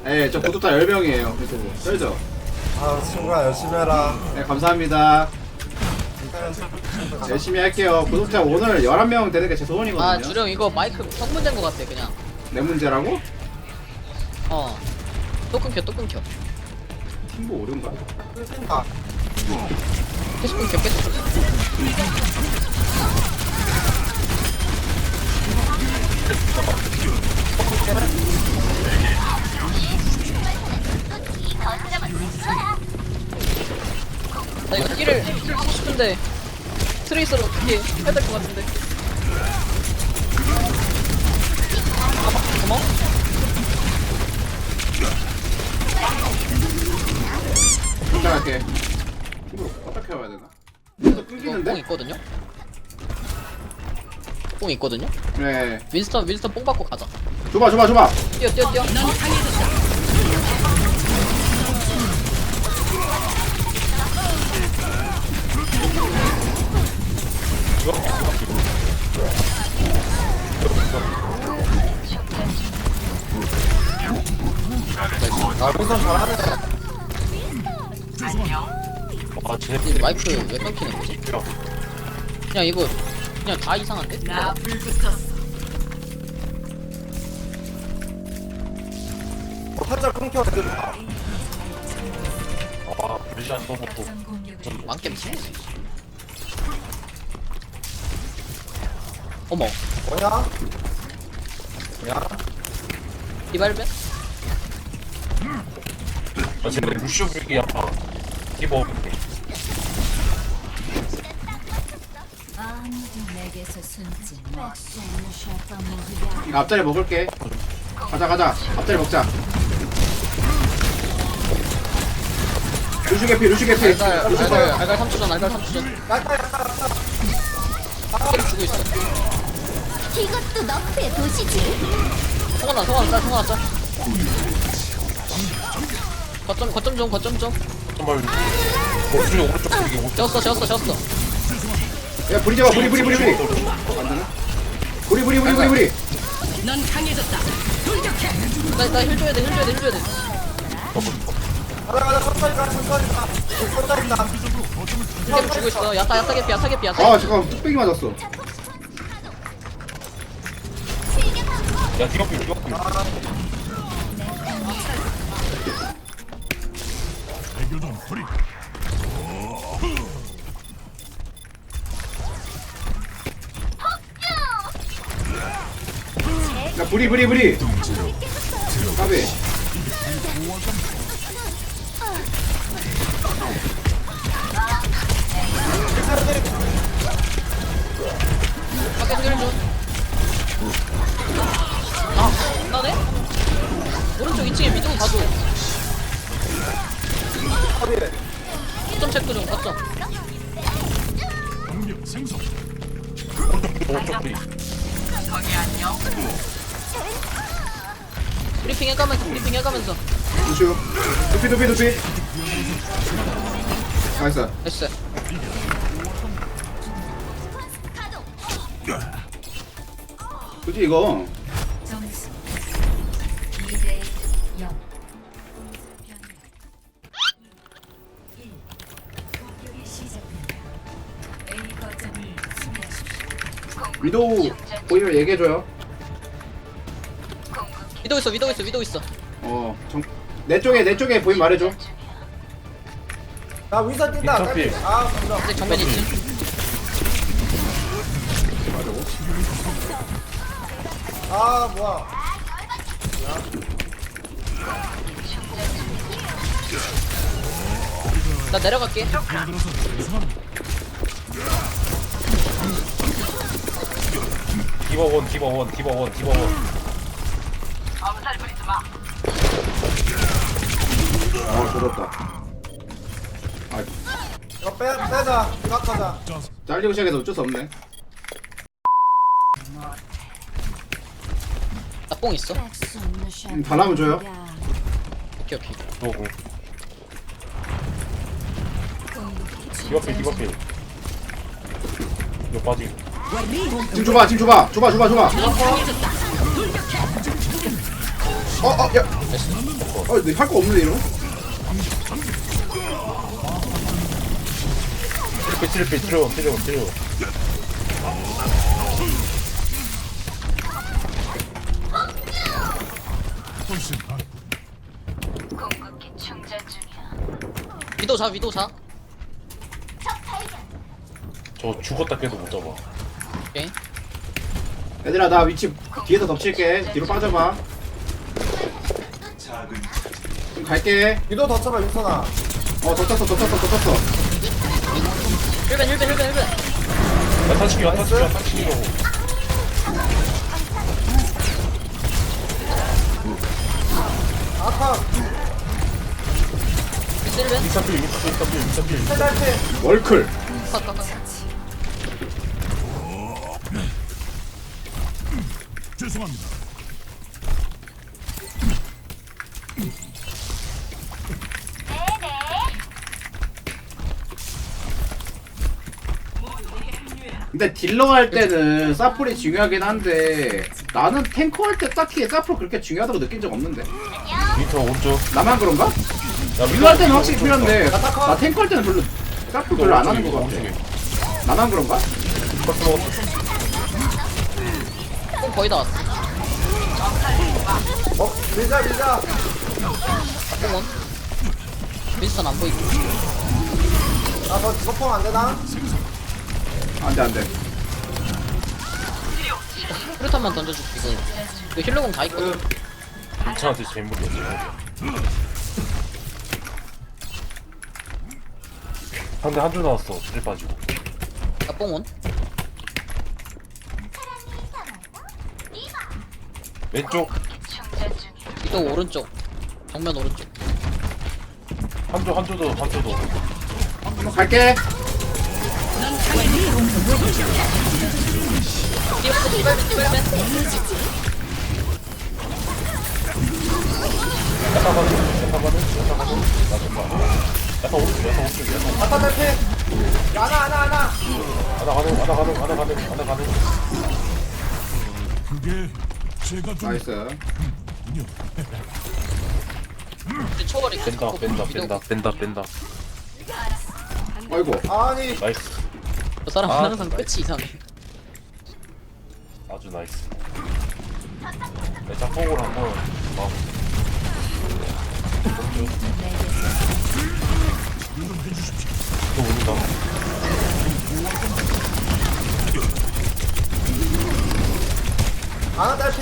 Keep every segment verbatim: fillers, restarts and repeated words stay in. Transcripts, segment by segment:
예, 저 구독자 열 명이에요. 유튜브. 쩔죠? 아 친구야 열심히 해라. 네, 감사합니다. 열심히 할게요. 구독자 오늘 열한 명 되는 게 제 소원이거든요. 아 주령 이거 마이크 성문된 것 같아 그냥. 내 문제라고? 어. 또 끊겨 또 끊겨. 팀보 오른가? 아, 계속 끊겨 계속 끊겨. 나 이거 힐을 힐을 하고 싶은데 트레이서를 어떻게 해야 될 것 같은데. 어머? 부탁할게. 팀보 어떻게 해야 되나? 이거 이거 뽕 끊기는데? 있거든요? 뽕 있거든요? 네. 윈스턴 윈스턴 뽕 받고 가자. 줘봐, 줘봐, 줘봐. 뛰어 뛰어 뛰어. 아 우선 잘하네. 아, 쟤 이 마이크 왜 끊기는 거지? 그냥 이거 그냥 다 이상한데? 나 불붙었어. 어, 살짝 끊겨 애들. 아, 아, 브리시안 써놓고. 망겜 치? 어머 뭐냐? 뭐냐? 이발벤? 아, 쟤네 루시오 불기 아파. 기버. 아무도 내게서 숨지 마. 이거 앞자리 먹을게. 가자, 가자. 앞자리 먹자. 루슈 개피, 루슈 개피. 알갈 루슈 알갈 컷. 알갈 삼 초 전 알갈 삼 초 전 야타 야타 야타. 때려 주고 있어. 이것도 너프의 도시지. 성원아 성원아 짤 성원아 짤 거점 거점 좀 거점 좀 정말. 오른쪽, 오른쪽 불기, 오른쪽. 재웠어 재웠어 재웠어. 야, 부리 잡아, 부리, 부리, 부리, 부리. 안 되나? 부리, 부리, 부리, 부리, 부리. 넌 강해졌다. 돌격해. 나나힐 줘야 돼힐 줘야 돼힐 줘야 돼. 가자 가자 천천히 가 천천히 가. 천천히 가. 힐 주고 있어. 야타 야타 개피 야타 개피 야타 아, 개피. 잠깐. 뚝배기 맞았어. 야, 디어필, 디어필. 야, 부리, 부리, 부리. 가비. 밖에서 힐 줘. 아 나네? 오른쪽 이 층에 미동 가도. 거점 체크 좀 거점. 오른쪽 불기. 브리핑 해가면서 브리핑 해가면서. 루슈. 두피, 두피, 두피. 나이스. 됐어. 굳이 이거. 점수 이 대 영. 공격이 시작됩니다. A 거점을 수비하십시오. 위도우 보이면 얘기해줘요. 위도 있어 위도 있어 위도 있어. 어, 정... 내 쪽에, 내 쪽에 보이면 말해줘. 나 위선 뛴다. 인터필. 깔피. 아 감사. 근데 정면 있지. 아 뭐야? 나 내려갈게. 디버 원, 디버 원, 디버 원, 디버 원. 아, 죽었다. 아, 이거 빼 빼자. 이각하자. 잘리고 시작해서 어쩔 수 없네. 나 뽕 있어. 음, 다 나면 줘요. 오케이 오케이. 누구? 디버필, 디버필. 이거 빠지. 지금 줘봐, 지금 줘봐, 줘봐, 줘봐, 줘봐. 어, 어, 야. 컷. 아 근데 할 거 없는데 이러면? 트리플 트리플 트리온 트리온 트리온. 위도 자 위도 자. 저 죽었다 깨도 못 잡아. 오케이. 얘들아 나 위치 뒤에서 덮칠게. 뒤로 빠져봐. 좀 갈게. 위도 더 쳐봐 윤선아. 어 덮쳤어 덮쳤어 덮쳤어. 힐벤 힐벤 힐벤 힐벤. 야타 치기 야타 치기 야타 치기로. 아까 힐벤. 미사필 미사필 미사필 미사필. 해달피. 월클. 컷컷컷. 죄송합니다. 근데 딜러 할 때는 사플이 중요하긴 한데 나는 탱커 할 때 딱히 사플 그렇게 중요하다고 느낀 적 없는데. 미터 오른쪽. 나만 그런가? 야, 딜러 할 때는 확실히 오른쪽. 필요한데 나 탱커 할 때는 별로 사플 별로 안 하는 것 오른쪽에, 같아. 오른쪽에. 나만 그런가? 버스 먹었어. 뽕 거의 다 왔어. 어 밀자 밀자. 뽕은. 윈스턴 안 보이고. 나너 저펑 안 되나? 안돼 안돼. 프루탄만 던져줄게 이거. 이거 힐러공 다 있거든. 괜찮한테 재물이었지. 상대 한 줄 나왔어. 질 빠지고. 야 뽕은. 왼쪽 위도 오른쪽. 정면 오른쪽. 한조 한조도 한조도. 갈게. 디발벤 디발벤 디발벤. 야타 가는 야타 가는 야타 가는 나 정말. 야타 오른쪽 야타 오른쪽 야타. 아까 달피. 하나 하나 하나. 하나 가는 하나 가는 하나 가는 하나 가는. 그게 제가 좀 나이스. 우리 초월이 뺀다 뺀다 뺀다 뺀다 뺀다. 아이고. 아니 나이스. 저 사람은 아, 항상 끝이 이상해. 아주 나이스. 내 짝꿍을 한번 막. 또 오른다. 하나 달피.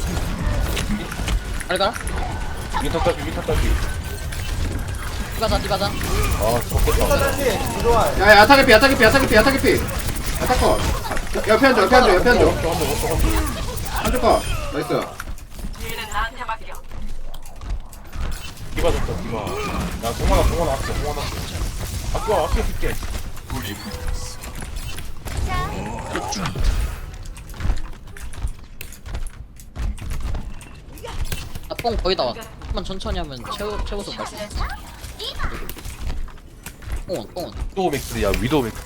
알가? 미터 딸피 미터 딸피. 디바자 디바자. 아 아까 적겠다. 달피. 위도와. 야야 야타게피 야타게피 야타게피 야타게피. 야타컷. 옆에 앉아 옆에 앉아 옆에 앉아. 앉아 컷. 나이스. 디바 줬다 디바. 야 동원아 동원아 아껴 동원아 아껴 아껴 줄게. 아 뽕 거의 다 왔어. 한번 천천히 하면 최고 최고속 갈 수 있어. 뽕은 뽕은. 위도우 맥스야 위도우 맥스.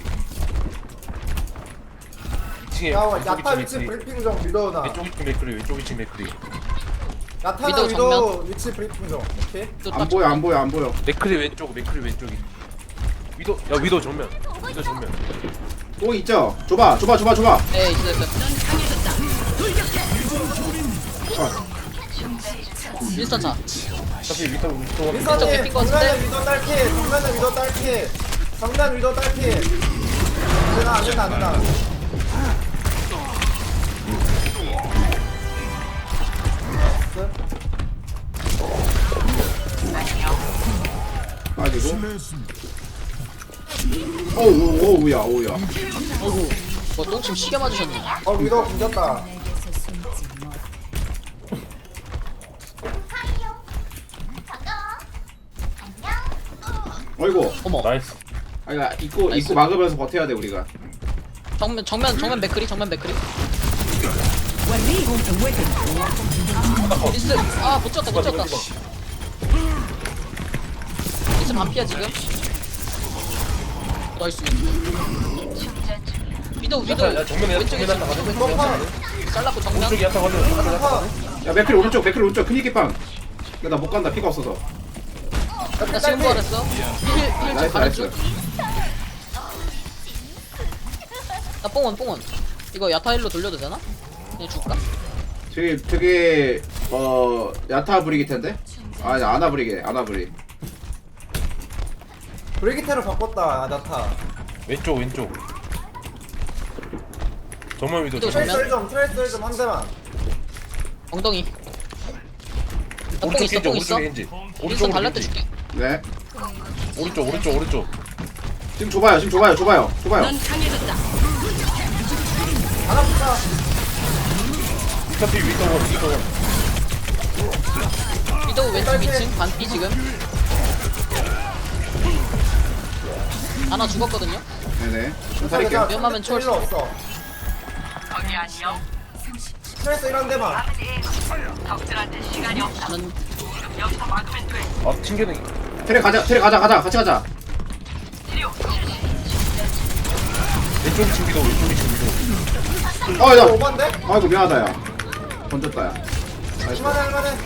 이 층에 야 왼쪽 야타 이층 위치 맥스리. 브리핑 좀 위도우나. 왼쪽 이층 맥스리 왼쪽 이층 맥스리. 야타나 위도우 위도우 위치 브리핑 좀. 오케이. 또 안 딱 보여 안 보여 안 보여. 맥크리 왼쪽 맥크리 왼쪽이. 위도 야 위도 정면. 위도 정면. 뽕 있죠? 줘봐 줘봐 줘봐 줘봐. 네 있어 있어. 윈스턴 차. 어차피 위도 위도 왼쪽 민선이 개핀 거 같은데? 정면은 위도 딸피. 정면은 위도 딸피. 정면 위도 딸피. 되나 안 된다 안 된다. 빠지고. 실례했습니다. 오우 오우야 오우야. 어구. 뭐 똥침 시계 맞으셨네. 어 위도 공졌다. 어이구. 어머. 나이스. 아 이거 입고 나이스. 입고 막으면서 버텨야 돼 우리가. 정면 정면 정면 맥크리 정면 맥크리. 리스 아못 쳤다 못 쳤다. 리스 반피야 지금. 나이스. 위도 위도 야타 야 정면에 왼쪽에 정면 야타 지금 가는. 펑펑. 잘랐고 정면. 오른쪽이 야타 가는. 펑펑. 야 맥클 오른쪽 맥클 오른쪽 큰이기빵. 근데 나 못 간다 피가 없어서. 나 지금 부활했어. 힐힐좀 나이스 가는 나이스. 중. 나 뽕원 뽕원. 이거 야타일로 돌려도 되나? 그냥 줄까? 저기 되게 어 야타 브리기 텐데? 아니 아나 브리게 아나 브리. 브리기테로 바꿨다 아나타. 왼쪽 왼쪽 정말 위도 또 정말 트레이스 좀 트레이스 좀 한 대만. 엉덩이. 나뽕 오른쪽 있어 겐지 뽕 있어. 오른쪽 겐지 윈스턴 오른쪽으로 발렛 때 겐지 줄게. 네. 오른쪽 오른쪽 오른쪽 지금 좁아요 지금 좁아요 좁아요 좁아요. 넌 강해졌다. 하나 붙자. 스타필 위도원 위도원 위도우 왼쪽 이 층 반피 지금. 하나 죽었거든요. 네네. 좀 살릴게요. 위험하면 초월 일로 없어. 트레이스 이런 데만. 나는 아 튕겨내 테레 가자 테레 가자 가자 같이 가자. 왼쪽 층 위도 왼쪽 층 위도 어야. 오반데? 아이고 미안하다 야. 던졌다 야. 나이스. 할만해 할만해.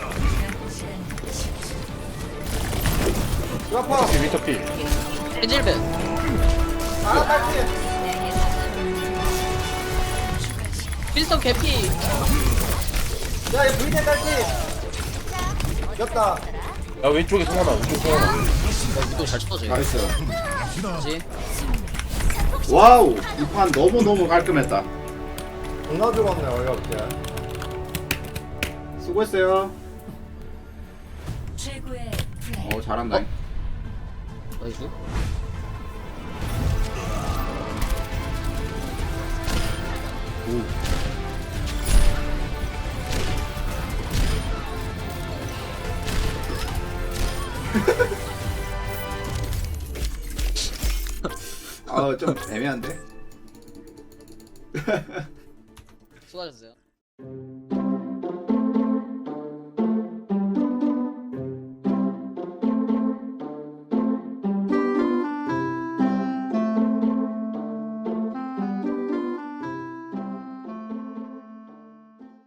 이거 아파. 위터필 위터필 벤질벤. 하나 딸피. 윈스턴 개피. 야얘 브리테 딸피. 이겼다. 야 왼쪽에 송하나 왼쪽 송하나 위도우 잘 쳐줘. 나이스. 그렇지. 와우 이 판 너무 너무 깔끔했다. 존나 죽었네 어이없게. 수고했어요. 최고의 플레이. 어 잘한다. 나이스. 아좀 애매한데. 수고하셨어요.